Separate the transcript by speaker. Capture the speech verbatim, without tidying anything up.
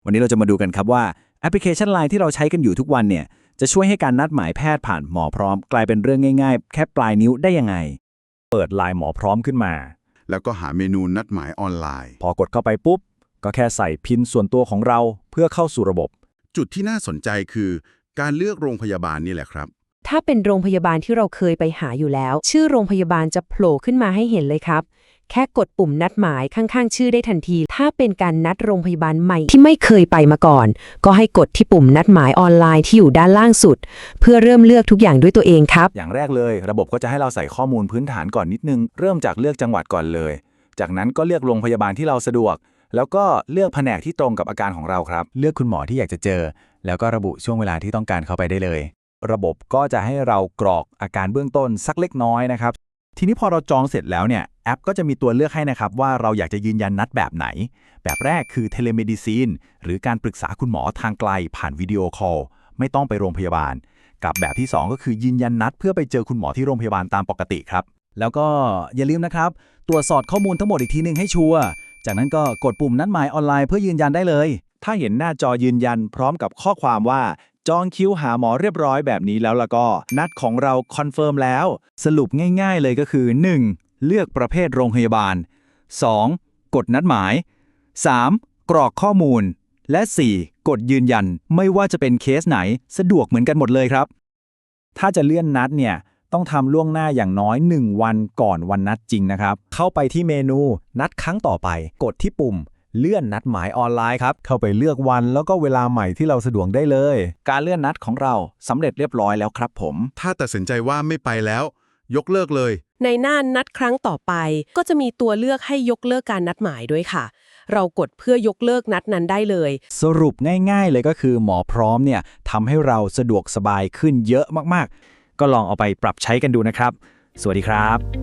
Speaker 1: วันนี้เราจะมาดูกันครับว่าแอปพลิเคชัน ไลน์ ที่เราใช้กันอยู่ทุกวันเนี่ยจะช่วยให้การนัดหมายแพทย์ผ่านหมอพร้อมกลายเป็นเรื่องง่ายๆแค่ปลายนิ้วได้ยังไงเปิด ไลน์ หมอพร้อมขึ้นมา
Speaker 2: แล้วก็หาเมนูนัดหมายออนไลน์
Speaker 1: พอกดเข้าไปปุ๊บก็แค่ใส่พินส่วนตัวของเราเพื่อเข้าสู่ระบบ
Speaker 2: จุดที่น่าสนใจคือการเลือกโรงพยาบาลนี่แหละครับ
Speaker 3: ถ้าเป็นโรงพยาบาลที่เราเคยไปหาอยู่แล้วชื่อโรงพยาบาลจะโผล่ขึ้นมาให้เห็นเลยครับแค่กดปุ่มนัดหมายข้างๆชื่อได้ทันทีถ้าเป็นการนัดโรงพยาบาลใหม่ที่ไม่เคยไปมาก่อนก็ให้กดที่ปุ่มนัดหมายออนไลน์ที่อยู่ด้านล่างสุดเพื่อเริ่มเลือกทุกอย่างด้วยตัวเองครับ
Speaker 1: อย่างแรกเลยระบบก็จะให้เราใส่ข้อมูลพื้นฐานก่อนนิดนึงเริ่มจากเลือกจังหวัดก่อนเลยจากนั้นก็เลือกโรงพยาบาลที่เราสะดวกแล้วก็เลือกแผนกที่ตรงกับอาการของเราครับเลือกคุณหมอที่อยากจะเจอแล้วก็ระบุช่วงเวลาที่ต้องการเข้าไปได้เลยระบบก็จะให้เรากรอกอาการเบื้องต้นสักเล็กน้อยนะครับทีนี้พอเราจองเสร็จแล้วเนี่ยแอปก็จะมีตัวเลือกให้นะครับว่าเราอยากจะยืนยันนัดแบบไหนแบบแรกคือเทเลเมดิซีนหรือการปรึกษาคุณหมอทางไกลผ่านวิดีโอคอลไม่ต้องไปโรงพยาบาลกับแบบที่สองก็คือยืนยันนัดเพื่อไปเจอคุณหมอที่โรงพยาบาลตามปกติครับแล้วก็อย่าลืมนะครับตรวจสอบข้อมูลทั้งหมดอีกทีนึงให้ชัวร์จากนั้นก็กดปุ่มนัดหมายออนไลน์เพื่อยืนยันได้เลยถ้าเห็นหน้าจอยืนยันพร้อมกับข้อความว่าจองคิวหาหมอเรียบร้อยแบบนี้แล้วแล้วก็นัดของเราคอนเฟิร์มแล้วสรุปง่ายๆเลยก็คือ หนึ่ง เลือกประเภทโรงพยาบาล สอง กดนัดหมาย สาม กรอกข้อมูลและ สี่ กดยืนยันไม่ว่าจะเป็นเคสไหนสะดวกเหมือนกันหมดเลยครับถ้าจะเลื่อนนัดเนี่ยต้องทำล่วงหน้าอย่างน้อยหนึ่งวันก่อนวันนัดจริงนะครับเข้าไปที่เมนูนัดครั้งต่อไปกดที่ปุ่มเลื่อนนัดหมายออนไลน์ครับเข้าไปเลือกวันแล้วก็เวลาใหม่ที่เราสะดวกได้เลยการเลื่อนนัดของเราสำเร็จเรียบร้อยแล้วครับผม
Speaker 2: ถ้าตัดสินใจว่าไม่ไปแล้วยกเลิกเลย
Speaker 4: ในหน้านัดครั้งต่อไปก็จะมีตัวเลือกให้ยกเลิกการนัดหมายด้วยค่ะเรากดเพื่อยกเลิกนัดนั้นได้เลย
Speaker 1: สรุปง่ายๆเลยก็คือหมอพร้อมเนี่ยทำให้เราสะดวกสบายขึ้นเยอะมากๆก็ลองเอาไปปรับใช้กันดูนะครับสวัสดีครับ